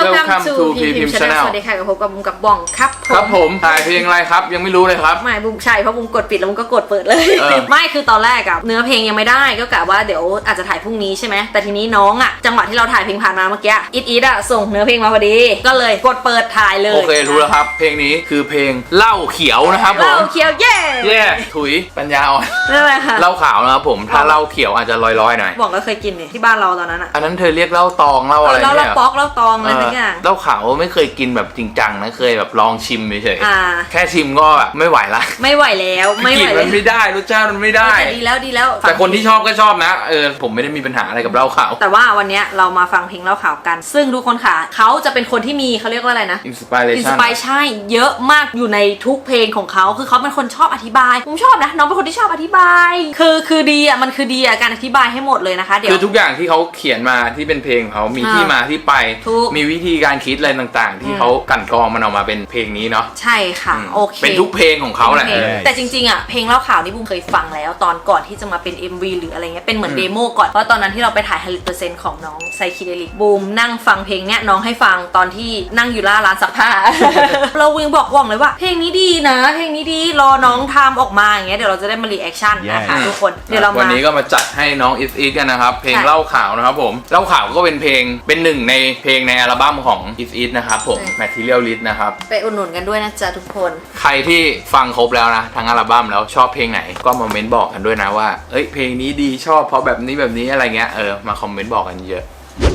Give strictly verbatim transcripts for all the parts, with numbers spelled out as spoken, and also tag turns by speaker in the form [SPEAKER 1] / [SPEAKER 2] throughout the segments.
[SPEAKER 1] Welcome to พี พิมพ์ Channel
[SPEAKER 2] สวัสดีค่ะกับผมกับบุ้มกับบ้องครับผม
[SPEAKER 1] ครับผมถ่ายเพลงอะไรครับยังไม่รู้เลยครับ
[SPEAKER 2] ไม่บุ้มใช่เพราะบุ้มกดปิดแล้วบุ้มก็กดเปิดเลยไม่คือตอนแรกอะเนื้อเพลงยังไม่ได้ก็กะว่าเดี๋ยวอาจจะถ่ายพรุ่งนี้ใช่ไหมแต่ทีนี้น้องอะจังหวะที่เราถ่ายเพลงผ่านมาเมื่อกี้อิดอิดอะส่งเนื้อเพลงมาพอดีก็เลยกดเปิดถ่ายเลย
[SPEAKER 1] โอเครู้แล้วครับเพลงนี้คือเพลงเหล้าเขียวนะครับผม
[SPEAKER 2] เหล้าเขียวเย่
[SPEAKER 1] เย่ถุยปัญญาอ่อน
[SPEAKER 2] นั่นแหละค่ะ
[SPEAKER 1] เหล้าขาวนะครับผมถ้าเหล้าเขียวอาจจะลอยๆหน่อย
[SPEAKER 2] บอกก็เคยกินเนี่ยที่บ้านเราตอนนั้นอะ
[SPEAKER 1] อันนั้นเธอเรียกเหล้าตองเหล้าอะไรเนี่ย
[SPEAKER 2] เหล้าป๊อกเหล้าตองอะไรทุกอย่าง
[SPEAKER 1] เหล้าขาวไม่เคยกินแบบจริงจังนะเคยแบบลองชิมเฉย
[SPEAKER 2] ๆ
[SPEAKER 1] แค่ชิมก็แบบไม่ไหวละ
[SPEAKER 2] ไม่ไหวแล้วไม่ไหว
[SPEAKER 1] มันไม่ได้รสชาติมันไม่ได้
[SPEAKER 2] ดีแล้วดีแล้ว
[SPEAKER 1] แต่คนที่ชอบก็ชอบนะเออผมไม่ได้มีปัญหาอะไรกับเหล้าขาว
[SPEAKER 2] แต่ว่าวันนี้เรามาฟังเพลงเหล้าขาวกันซึ่งทุกคนค่ะเขาจะเป็นคนที่มีเขาเรียกว่าอะไรนะ
[SPEAKER 1] inspiration
[SPEAKER 2] อินสไปใช่เยอะมากอยู่ในทุกเพลงของเขาคือเขาเป็นคนชอบอธิบายผมชอบนะน้องเป็นคนที่ชอบอธิบายคือคือดีอ่ะมันคือดีอ่ะการอธิบายให้หมดเลยนะคะเดี๋ยว
[SPEAKER 1] คือทุกอย่างที่เขาเขียนมาที่เป็นเพลงเขามีที่มาที่ไปมีวิธีการคิดอะไรต่างๆที่เขากลั่นกรองมันออกมาเป็นเพลงนี้เนาะ
[SPEAKER 2] ใช่ค่ะโอเค
[SPEAKER 1] เป็นทุกเพลงของเขาแหละ
[SPEAKER 2] แต่จริงๆอ่ะเพลงเหล้าขาวนี่บุ้มเคยฟังแล้วตอนก่อนที่จะมาเป็น เอ็ม วี หรืออะไรเงี้ยเป็นเหมือนเดโมก่อนเพราะตอนนั้นที่เราไปถ่าย ห้าสิบเปอร์เซ็นต์ ของน้องไซคิเดลิกบูมนั่งฟังเพลงเนี้ยน้องให้ฟังตอนที่นั่งอยู่ล่าร้านซักผ้า เราวิ่งบอกว่องเลยว่าเพลงนี้ดีนะเพลงนี้ดีรอน้องทำออกมาอย่างเงี้ยเดี๋ยวเราจะได้มารีแอคชั่นนะคะทุกคนเดี๋ยวเรา
[SPEAKER 1] วันนี้ก็มาจัดให้น้องอิสอีทกันนะครับเพลงเหล้าขาวนะครับผมเหล้าขาวก็เป็นเพลงเป็นหนึ่งในเพลงในอัลบั้มของอิสอีทนะครับผม Material List นะครับ
[SPEAKER 2] ไปอุดหนุนกันด้วยนะจ๊ะทุกคน
[SPEAKER 1] ใครที่ฟังครบแล้วนะทั้งอัลบั้มแล้วชอบเพลงไหนก็มาเม้นบอกกันด้วยนะว่าเอ้ยเพลงนี้ดีชอบเพราะแบบนี้แบบนี้อะไรเงี้ยเออมาคอมเมนต์บอกกันเยอะ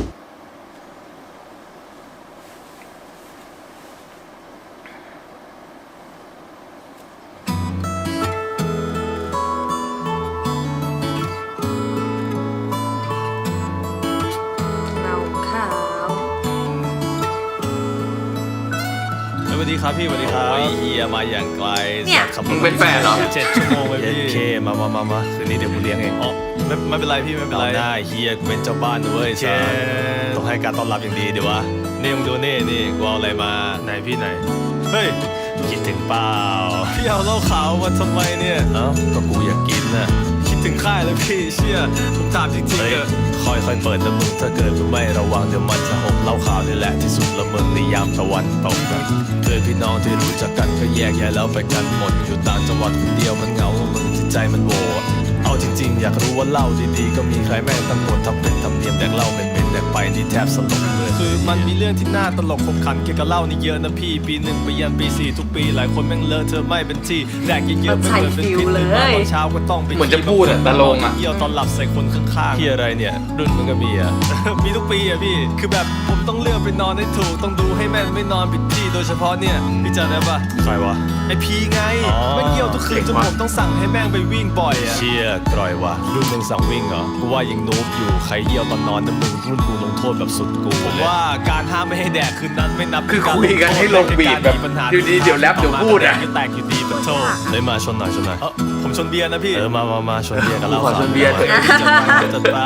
[SPEAKER 3] สวัสดีครับพี่สวัสดีครับเฮียมาอย่างไกล
[SPEAKER 2] เนี่ย
[SPEAKER 1] มึงเป็นแฟนเหรอ
[SPEAKER 3] เจ็ดชั่วโมงเลยพี่โอเคมามามามาคืนนี้เดี๋ยวกูเลี้ยงเองอ๋อไม่ไม่เป็นไรพี่ไม่เป็นไรได้เฮียกูเป็นเจ้าบ้านด้วยเชนต้องให้การต้อนรับอย่างดีเดี๋ยววะนี่มึงดูนี่นี่กูเอาอะไรมาไหนพี่ไหนเฮ้ยคิดถึงเปล่าพี่เอาเหล้าขาวมาทำไมเนี่ยเอ้าก็กูอยากกินน่ะคิดถึงค่ายเลยพี่เชี่ยผมถามจริงๆเถอะค่อยๆเปิดนะมึงถ้าเกิดมึงไม่ระวังเดี๋ยวมันจะหกเหล้าขาวนี่แหละที่สุดละมึงในยามตะวันตกนะเพื่อนพี่น้องที่รู้จักกันก็แยกย้ายแล้วไปกันหมดอยู่ต่างจังหวัดคนเดียวมันเหงามึงที่ใจมันโหวเอาจริงๆอยากรู้ว่าเหล้าดีๆก็มีใครแม่งตั้งกฎทำเป็นทำเนียมแดกเหล้าเป็นๆแดกไปนี่แทบสลบเลยคือมันมีเรื่องที่น่าตลกขบขันเกี่ยวกับเหล้านี่เยอะนะพี่ปีหนึ่งไปยันปีสี่ทุกปีหลายคนแม่งเลอะเธอไม่เป็นที่แดกเยอะๆไม่เหมือนเป็นพิษเลยตอนเช้าก็ต้องไป
[SPEAKER 1] เหมือนจะพูดอะตะลงอะ
[SPEAKER 3] เยี่ยวตอนหลับใส่คนข้างๆพี่อะไรเนี่ยรุ่นมึงก็มีอะมีทุกปีอะพี่คือแบบผมต้องเลือกไปนอนให้ถูกต้องดูให้แม่นไม่นอนผิดที่โดยเฉพาะเนี่ยพี่จำได้ปะใครวะไอพีไงแม่งเยี่ยวทุกคืนจนผมต้องสั่งให้แม่งไปวิ่งบ่อยอะเชี่ยกร่อยวะรุ่นมึงสั่งวิ่งเหรอกูว่ายังนูบอยู่ใครเยี่ยวตอนนอนนะมึงรุ่นกูลงโทษแบบสุดกูผมว่าการห้ามไม่ให้แดกคืนนั้นไม่นับ
[SPEAKER 1] คือคุยกันให้ลงบีทแบบอยู่ดีเดี๋ยวแรปเดี๋ยวพูดอะ
[SPEAKER 3] แตกอยู่ดีเป็นโทษเลยมาชนหน่อยชนหน่อยเออผมชนเบียร์นะพี่เออมามามาชนเบียร์กันแล้ว
[SPEAKER 1] ขอชนเบียร์เถอะ
[SPEAKER 3] จัดไป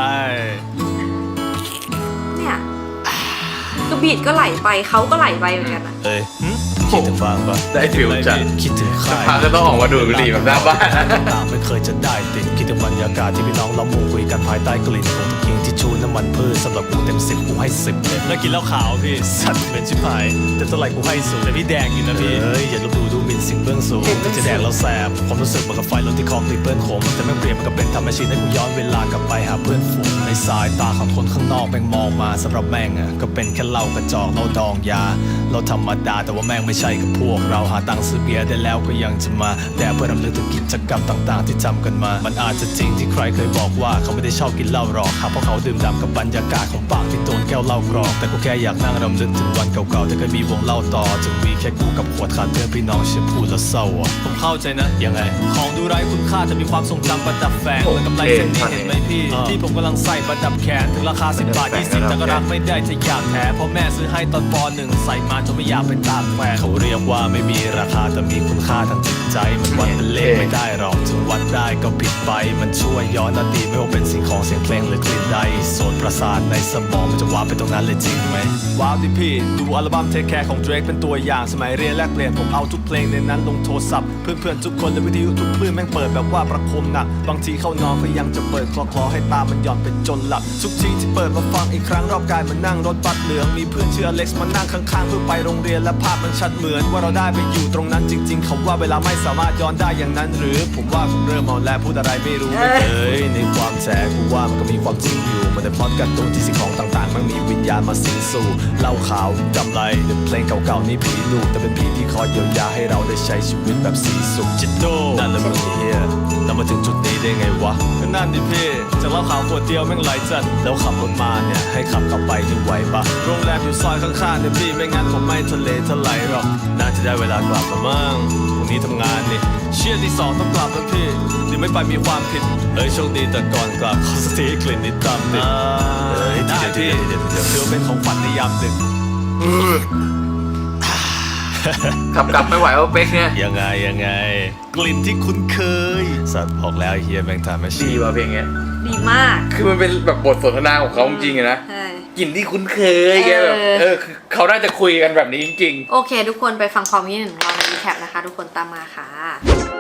[SPEAKER 2] เนี่ยคือบีดก็ไหลไปเขาก็ไหลไปเหมือนกันอะ
[SPEAKER 3] เอ้ยคิดถึงฟังปะ
[SPEAKER 1] ได้ฟิลจัด
[SPEAKER 3] คิดถึงใคร
[SPEAKER 1] พาก็ต้องออกมาดูดบุหรี่แบบหน้าบ้าน
[SPEAKER 3] ต่างไม่เคยจะได้ติดคิดถึงบรรยากาศที่พี่น้องล้อมวงคุยกันภายใต้กลิ่นของตะเกียงที่ชูน้ำมันพืชสำหรับกูเต็มสิบกูให้สิบเลยแล้วกินเหล้าขาวพี่สัตว์เป็นชิบหายแต่เท่าไหร่กูให้สูงแต่พี่แดงอยู่นะพี่เฮ้ยอย่าลบดูดูหมิ่นสิ่งเบื้องสูงจะแดงแล้วแสบความรู้สึกเหมือนกับไฟล้นที่คอคลิปเปิลโคมแต่แม่งเปลี่ยนมันก็เป็นธรรมชาติให้กูย้อนเวลากลับไปหาเพื่อนฝูงในสายตาของคนข้างนอกแม่งมองมาสำหรับแม่งอ่ะก็เป็นแค่เหล้ากระจอกเหล้าดองยาเราธรรมดาแต่ว่าแม่งไม่ใช่กับพวกเราหาตังค์ซื้อเบียร์ได้แล้วก็ยังจะมาแต่เพื่อรำลึกถึงกิจกรรมต่างๆที่จำกันมามันอาจจะจริงที่ใครเคยบอกว่าเขาไม่ได้ชอบกินเหล้าหรอกครับเพราะเขาดื่มด่ำกับบรรยากาศของปากที่โดนแก้วเหล้ากรอกแต่กูแค่อยากนั่งรำลึกถึงวันเก่าๆที่เคยมีวงเหล้าต่อจึงมีแค่กูกับขวดขาดเพื่อนพี่น้องเชื่อพูดแล้วเศร้าอ่ะผมเข้าใจนะยังไงของดูไร้คุณค่าจะมีความทรงจำประดับแฝงเหมือนกับลายเส้นนี้เห็นไหมพี่ที่ผมกำลังใส่ประดับแขนถึงราคาสิบบาทยี่สิบแต่ก็รักไม่ได้จะอยากแท้เพราะแม่ซื้อให้ตอนปหนึ่งใส่มาจนไม่อยากเป็นตามแฟนเขาเรียกว่าไม่มีราคาแต่มีคุณค่าทางจิตใจมันวัดเป็นเลขไม่ได้หรอกถึงวัดได้ก็ผิดไปมันช่วยย้อนอดีตไม่ว่าเป็นสิ่งของเสียงเพลงหรือกลิ่นใดโซนประสาทในสมองมันจะว้าวไปตรงนั้นเลยจริงไหมว้าวดิพี่ดูอัลบั้มเทคแคร์ของ Drake เป็นตัวอย่างสมัยเรียนแลกเปลี่ยนผมเอาทุกเพลงในนั้นลงโทรศัพท์เพื่อนๆทุกคนและวิทยุทุกคลื่นแม่งเปิดแบบว่าประคมหนักบางทีเข้านอนก็ยังจะเปิดคลอๆให้ตามันหย่อนไปจจนหลับทุกทีที่เปิดมาฟังอีกครั้งรอบกายมันนั่งรถบัสเหลืองมีเพื่อนชื่ออเล็กซ์มานั่งข้างๆเพื่อไปโรงเรียนและภาพมันชัดเหมือนว่าเราได้ไปอยู่ตรงนั้นจริงๆคำว่าเวลาไม่สามารถย้อนได้อย่างนั้นหรือผมว่าผมเริ่มมองและพูดอะไรไม่รู้ไม่เคยในความแฉกูว่ามันก็มีความจริงอยู่มันได้พล็อตการ์ตูนที่สิ่งของต่างๆมันมีวิญญาณมาสิงสู่เหล้าขาวกำไรหรือเพลงเก่าๆนี่ผีลูกแต่เป็นผีที่คอยเยียวยาให้เราได้ใช้ชีวิตแบบสีสุขจิตโตนั่นแหละมึงเฮียเรามาถึงจุดนี้ได้ไงวะก็นั่นดิพี่จากเหล้าขาวขวดเดียวแม่งไหลจัดแล้วขับรถมาเนี่ยให้ขับกลับไปนี่ไหวปะโรงแรมอยู่ซอยข้างๆเนี่ยพี่ไม่งั้นผมไม่ทะเลทลายหรอกน่าจะได้เวลากลับแล้วมั้งพรุ่งนี้ทำงานนี่เชี่ยที่สองต้องกลับแล้วพี่หรือไม่ไปมีความผิดเฮ้ยโชคดีแต่ก่อนกลับขอสตีกลิ่นนิดตามดิเฮ้ยได้พี่เดี๋ยวเดี๋ยวเดี๋ยวเป็นของฝันในยามดึก
[SPEAKER 1] ขับกลับไม่ไหวว่าเป๊กเนี่ย
[SPEAKER 3] ยังไงยังไงกลิ่นที่คุ้นเคยสัตว์บอกแล้วไอ้เฮียแม่งทำไม่ชี
[SPEAKER 1] ดีว่ะเพลงเนี้ย
[SPEAKER 2] ดีมาก
[SPEAKER 1] คือมันเป็นแบบบทสนทนาของเขาจริงๆอะนะ
[SPEAKER 2] ใช่
[SPEAKER 1] กลิ่นที่คุ้นเคยแกแบบ
[SPEAKER 2] เออ
[SPEAKER 1] เออคือเขาน่าจะคุยกันแบบนี้จริงๆ
[SPEAKER 2] โอเค ทุกคนไปฟังความคิดเห็นของเราในรีแคปนะคะ ทุกคนตามมาค่ะ